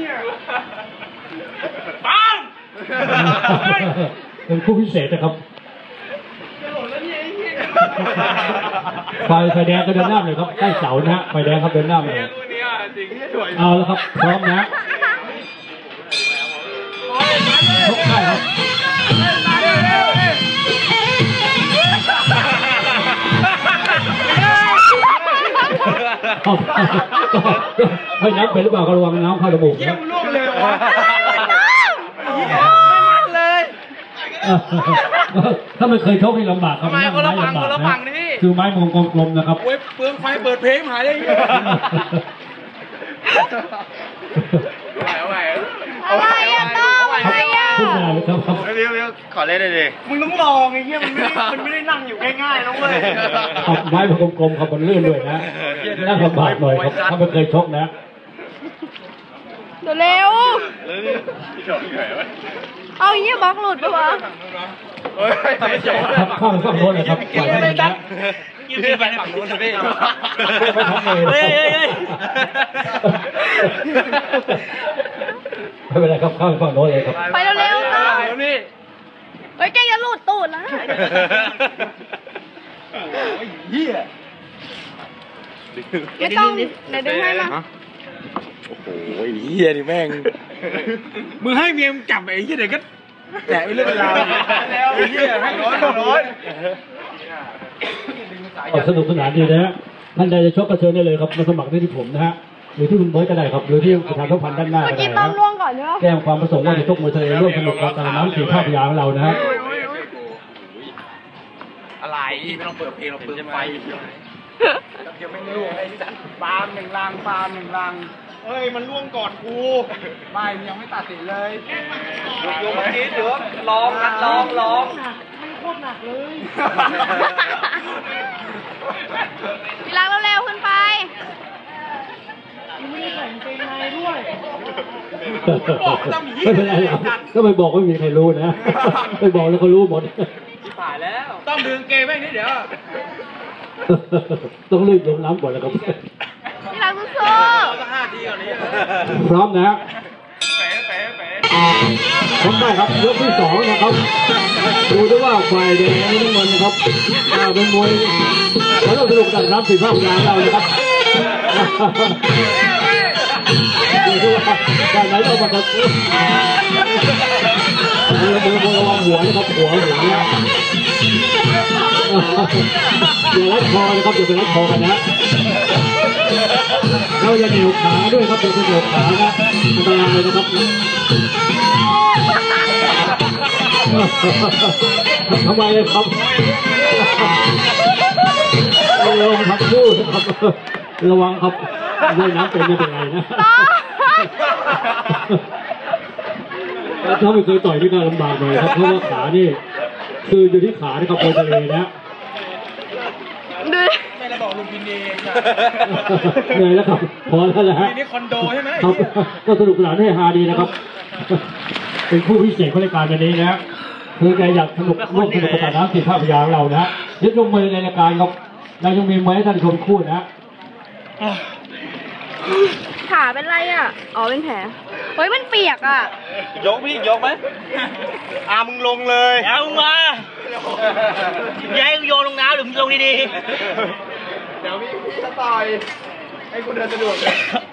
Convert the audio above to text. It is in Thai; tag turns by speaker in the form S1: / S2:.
S1: ปัง
S2: เป็นคู่พิเศษนะครับไฟแดงก็เดินหน้าเลยครับใกล้เสานะไฟแดงครับเดินหน้าเลยเอาแล้วครับพร้อมนะชกได้ครับให้น้ำเป็นหรือเปล่าก็ระวังน้ำเข้าจมูกนะถ้าไม่เคยชกนี่ลำบากครับไม้ลำบากนะคือไม้มงกลมๆนะครับ
S1: เปลืองไฟเปิดเพลงหายเลย
S3: อะไรอะต้องอะไรอะ
S2: ขึ้นมาเลยครับ
S4: วิวขอเล่นเลยดิ
S1: มึงต้องลองไอ้เงี้ยมันไม่ได้นั่งอยู่ง่ายๆนะเว้ย
S2: ไม้กลมๆครับมันลื่นด้วยนะนั่งลำบากหน่อยครับถ้าไม่เคยชกนะ
S3: เร็วเอาอย่างเงี้ยบล็อกหลุดปะวะ
S2: ข้างโน้นนะครับปล่อยให้มันนะ
S1: ยืนไปฝั่งโน้นเลย
S2: ไม่เป็นไรครับข้างฝั่งโน้นเลยครับ
S3: ไปเร็วๆต้องเฮ้ยแกจะหลุดตูดแล้วไม่ต้องไหนดึงให้มา
S4: โอ้ยเฮียดิแม่ง
S1: มึงให้เมียมจับไอ้เฮียเด็กก็แตะไปเรื่องราวไอ้เฮียให้ร้อน
S2: สนุกสนานดีนะฮะท่านใดจะชกกระเชิญได้เลยครับมาสมัครได้ที่ผมนะฮะหรือที่คุณเบิร์ตก็ได้ครับหรือที่ประธานทุกพันด้านหน้าก็ได้นะแจ้งความประสงค์ว่าจะชกมวยทะเลร่วมสนุกกับน้ำสีภาพยาของเรานะฮะ
S1: อะไรไม่ต้องเปิดเพลงเราเปิดไฟยังไม่ล่วงไอ้สัตว์ปาล์มหนึ่งลังเฮ้ยมันล่วงก่อนกูไม่ยังไม่ตัดสินเลยโยมคิดเดี๋ยวลองมันลองมันโคตรหนักเลย
S3: พี่รักเร็วๆขึ้นไป
S1: ไม่ได้ใส่เกงในด้วย
S2: ไม่เป็นไรหรอกก็ไปบอกไม่มีใครรู้นะไปบอกแล้วเขารู้หมด
S1: ที่ผ่านแล้วต้องดึงเกงไว้นี่เดี๋ยว
S2: ต้องรีบลงน้ำก่อนแล้วครับ
S3: พี่รักสู้
S2: พร้อมนะพร้อมได้ครับยกที่2นะครับดูด้วยว่าฝ่ายแดงนี่น้ำเงินนะครับเป็นมวยเราต้องสนุกกันรับสีภาพยาเรานะครับดูด้วยว่าฝ่ายไหนต้องมาครับระวังหัวนะครับหัวเนี่ยอย่ารัดคอนะครับอย่าไปรัดคอกันนะเราอย่าเหนียวขาด้วยครับอย่าไปเหนียวขานะอันตรายเลยนะครับทำไมครับระวังครับพูดครับระวังครับว่ายน้ำเป็นไม่เป็นไรนะถ้าไม่เคยต่อยนี่ก็ลำบากหน่อยครับเพราะว่าขานี่คืออยู่ที่ขานะครับโคทะเลนะ
S1: ไม่ได้บอกลุงพินเอง
S2: เหนื่อยแล้วครับพอแล้วแหละฮะ
S1: นี่คอนโดใช่ไหม
S2: ครับก็สนุกสนานให้ฮาดีนะครับเป็นผู้พิเศษของรายการวันนี้นะคือใครอยากสนุกร่วมสนุกกับน้ำสีภาพยาของเรานะยึดลงมือในรายการครับเรายังมีมวยให้ท่านชมคู่นะ
S3: ขาเป็นไรอ่ะอ๋อเป็นแผลเฮ้ยมันเปียกอ่ะ
S1: ยกพี่ยกไหมมึงลงเลยมึงมาย้ายโยนลงน้ำหรือมึงลงดีๆเดี๋ยวพี่จะต่อยให้กูเดินสะดวก